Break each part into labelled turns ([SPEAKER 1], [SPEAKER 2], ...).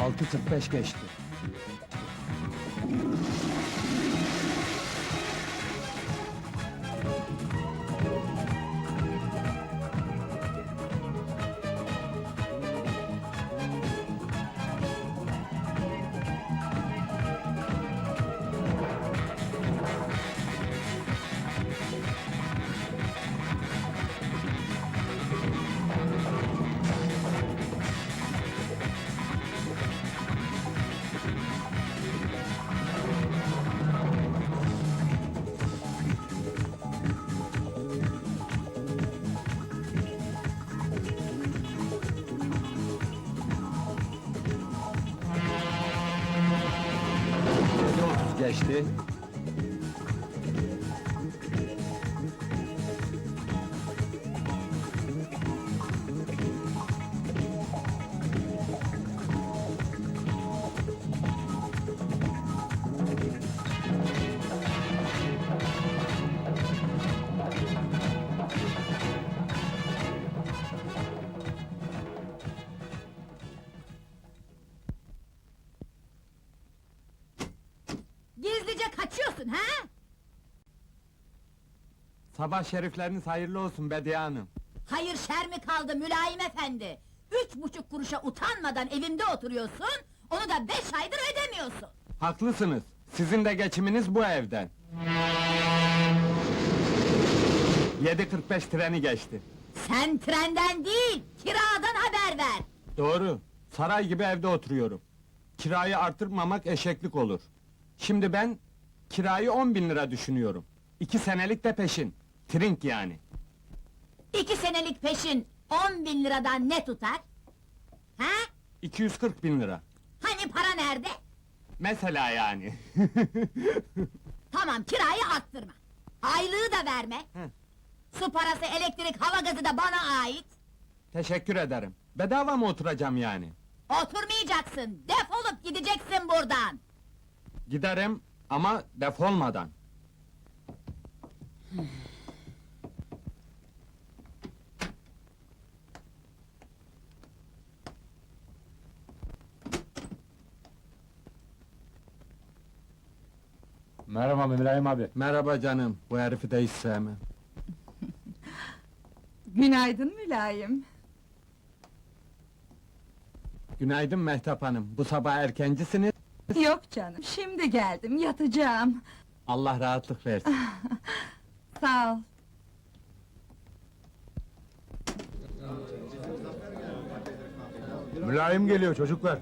[SPEAKER 1] 6:45 geçti. Geçti.
[SPEAKER 2] Gizlice kaçıyorsun ha?
[SPEAKER 1] Sabah şerifleriniz hayırlı olsun Bediye Hanım.
[SPEAKER 2] Hayır şer mi kaldı mülayim efendi? 3,5 kuruşa utanmadan evimde oturuyorsun, onu da 5 aydır ödemiyorsun.
[SPEAKER 1] Haklısınız. Sizin de geçiminiz bu evden. 7:45 treni geçti.
[SPEAKER 2] Sen trenden değil, kiradan haber ver!
[SPEAKER 1] Doğru. Saray gibi evde oturuyorum. Kirayı artırmamak eşeklik olur. Şimdi ben kirayı 10.000 lira düşünüyorum. 2 senelik de peşin. Trink yani.
[SPEAKER 2] 2 senelik peşin 10.000 liradan ne tutar? Ha?
[SPEAKER 1] 240.000 lira.
[SPEAKER 2] Hani para nerede?
[SPEAKER 1] Mesela yani.
[SPEAKER 2] Tamam, kirayı arttırma. Aylığı da verme.
[SPEAKER 1] Hı.
[SPEAKER 2] Su parası, elektrik, hava gazı da bana ait.
[SPEAKER 1] Teşekkür ederim. Bedava mı oturacağım yani?
[SPEAKER 2] Oturmayacaksın, defolup gideceksin buradan!
[SPEAKER 1] Giderim ama defolmadan.
[SPEAKER 3] Merhaba Mülayim abi.
[SPEAKER 1] Merhaba canım. Bu herifi de hiç sevmem.
[SPEAKER 4] Günaydın mülayim.
[SPEAKER 1] Günaydın Mehtap Hanım. Bu sabah erkencisiniz.
[SPEAKER 4] Yok canım, şimdi geldim, yatacağım.
[SPEAKER 1] Allah rahatlık versin.
[SPEAKER 4] Sağ ol.
[SPEAKER 3] Mülayim geliyor çocuklar.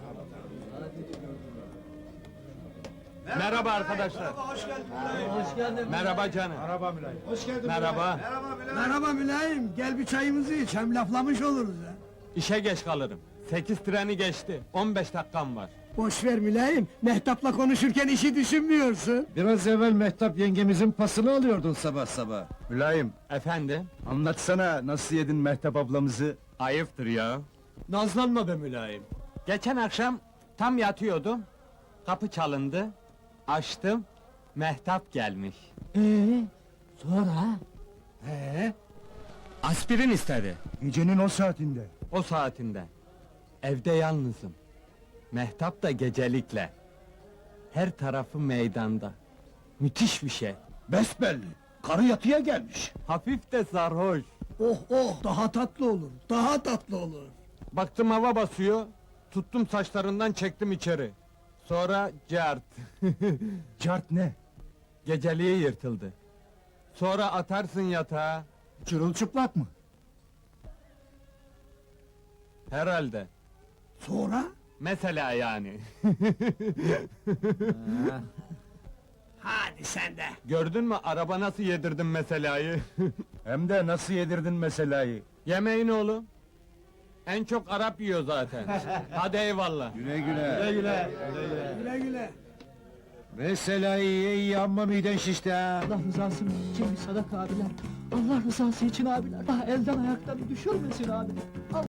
[SPEAKER 1] Merhaba arkadaşlar.
[SPEAKER 5] Hoş geldin.
[SPEAKER 1] Merhaba canım.
[SPEAKER 3] Merhaba Mülayim.
[SPEAKER 5] Hoş geldin.
[SPEAKER 1] Merhaba.
[SPEAKER 5] Merhaba mülayim. Gel bir çayımızı iç. Hem laflamış oluruz ha.
[SPEAKER 1] İşe geç kalırım. 8 treni geçti. 15 dakikam var.
[SPEAKER 5] Boş ver mülayim. Mehtap'la konuşurken işi düşünmüyorsun.
[SPEAKER 6] Biraz evvel Mehtap yengemizin pasını alıyordun sabah sabah.
[SPEAKER 3] Mülayim,
[SPEAKER 1] Efendim?
[SPEAKER 6] Anlatsana nasıl yedin Mehtap ablamızı?
[SPEAKER 1] Ayıptır ya. Nazlanma be mülayim. Geçen akşam tam yatıyordum. Kapı çalındı. Açtım. Mehtap gelmiş.
[SPEAKER 5] Sonra?
[SPEAKER 1] Aspirin istedi.
[SPEAKER 6] Gecenin o saatinde.
[SPEAKER 1] O saatinde. Evde yalnızım. Mehtap da gecelikle. Her tarafı meydanda. Müthiş bir şey.
[SPEAKER 6] Besbelli. Karı yatıya gelmiş.
[SPEAKER 1] Hafif de sarhoş.
[SPEAKER 5] Oh oh, daha tatlı olur. Daha tatlı olur.
[SPEAKER 1] Baktım hava basıyor. Tuttum saçlarından çektim içeri. Sonra cart.
[SPEAKER 6] Cart ne?
[SPEAKER 1] Geceliği yırtıldı. Sonra atarsın yatağa.
[SPEAKER 6] Çırılçıplak mı?
[SPEAKER 1] Herhalde.
[SPEAKER 5] Sonra?
[SPEAKER 1] Mesela yani.
[SPEAKER 5] Hadi sen de.
[SPEAKER 1] Gördün mü araba nasıl yedirdim meselayı?
[SPEAKER 6] Hem de nasıl yedirdin meselayı?
[SPEAKER 1] Yemeğin oğlum. En çok Arap yiyor zaten. Hadi eyvallah.
[SPEAKER 6] Güle güle.
[SPEAKER 5] Güle güle.
[SPEAKER 6] Meselayı ye iyi amma miden şişti ha.
[SPEAKER 7] Allah rızası için bir sadaka abiler. Allah rızası için abiler. Daha elden ayaktan düşürmesin abi.